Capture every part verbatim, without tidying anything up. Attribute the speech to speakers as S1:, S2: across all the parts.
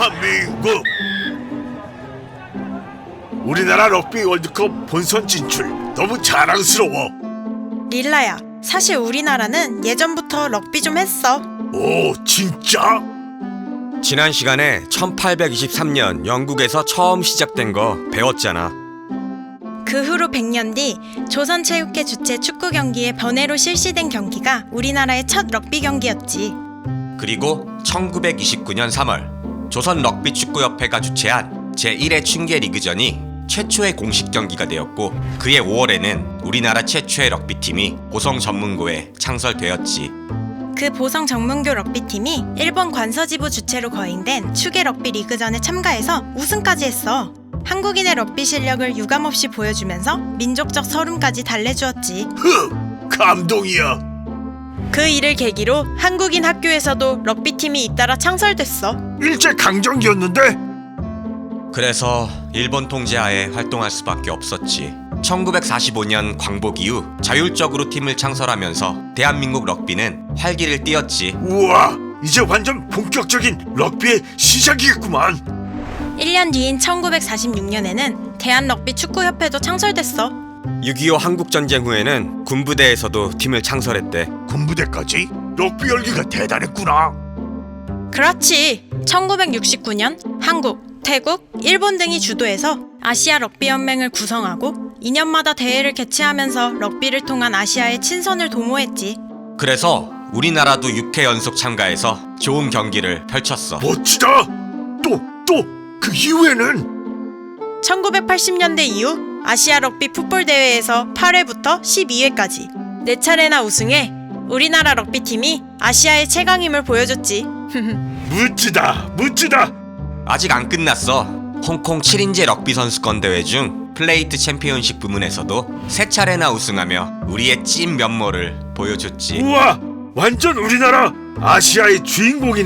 S1: 대한민국! 우리나라 럭비 월드컵 본선 진출 너무 자랑스러워.
S2: 릴라야, 사실 우리나라는 예전부터 럭비 좀 했어.
S1: 오, 진짜?
S3: 지난 시간에 천팔백이십삼 년 영국에서 처음 시작된 거 배웠잖아.
S2: 그 후로 백 년 뒤 조선체육회 주최 축구 경기의 번외로 실시된 경기가 우리나라의 첫 럭비 경기였지.
S3: 그리고 천구백이십구 년 삼월 조선 럭비 축구협회가 주최한 제일 회 춘계 리그전이 최초의 공식 경기가 되었고, 그해 오월에는 우리나라 최초의 럭비팀이 보성 전문고에 창설되었지.
S2: 그 보성 전문고 럭비팀이 일본 관서지부 주최로 거행된 축의 럭비 리그전에 참가해서 우승까지 했어. 한국인의 럭비 실력을 유감없이 보여주면서 민족적 서름까지 달래주었지.
S1: 흥! 감동이야.
S2: 그 일을 계기로 한국인 학교에서도 럭비팀이 잇따라 창설됐어.
S1: 일제 강점기였는데?
S3: 그래서 일본 통제하에 활동할 수밖에 없었지. 천구백사십오 년 광복 이후 자율적으로 팀을 창설하면서 대한민국 럭비는 활기를 띠었지.
S1: 우와, 이제 완전 본격적인 럭비의 시작이겠구만.
S2: 일 년 뒤인 천구백사십육 년에는 대한럭비축구협회도 창설됐어.
S3: 육이오 한국전쟁 후에는 군부대에서도 팀을 창설했대.
S1: 군부대까지? 럭비 열기가 대단했구나.
S2: 그렇지. 천구백육십구 년 한국, 태국, 일본 등이 주도해서 아시아 럭비 연맹을 구성하고 이 년마다 대회를 개최하면서 럭비를 통한 아시아의 친선을 도모했지.
S3: 그래서 우리나라도 육 회 연속 참가해서 좋은 경기를 펼쳤어.
S1: 멋지다. 또, 또, 그 이후에는?
S2: 천구백팔십 년대 이후 아시아 럭비 풋볼 대회에서 팔 회부터 십이 회까지 네 차례나 우승해 우리나라 럭비팀이 아시아의 최강임을 보여줬지.
S1: 멋지다, 멋지다.
S3: 아직 안 끝났어. 홍콩 칠 인제 럭비 선수권 대회 중 플레이트 챔피언십 부문에서도 세 차례나 우승하며 우리의 찐 면모를 보여줬지.
S1: 우와, 완전 우리나라 아시아의 주인공이네.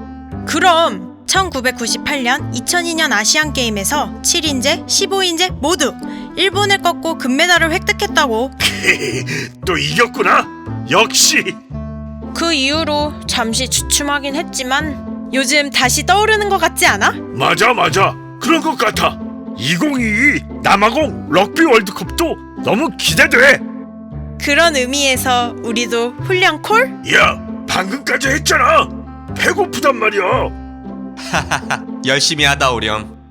S2: 그럼 천구백구십팔 년, 이천이 년 아시안게임에서 칠 인제, 십오 인제 모두 일본을 꺾고 금메달을 획득했다고.
S1: 또 이겼구나. 역시.
S2: 그 이후로 잠시 주춤하긴 했지만 요즘 다시 떠오르는 것 같지 않아?
S1: 맞아, 맞아. 그런 것 같아. 이천이십이 남아공 럭비 월드컵도 너무 기대돼.
S2: 그런 의미에서 우리도 훈련 콜?
S1: 야, 방금까지 했잖아. 배고프단 말이야.
S3: 열심히 하다 오렴.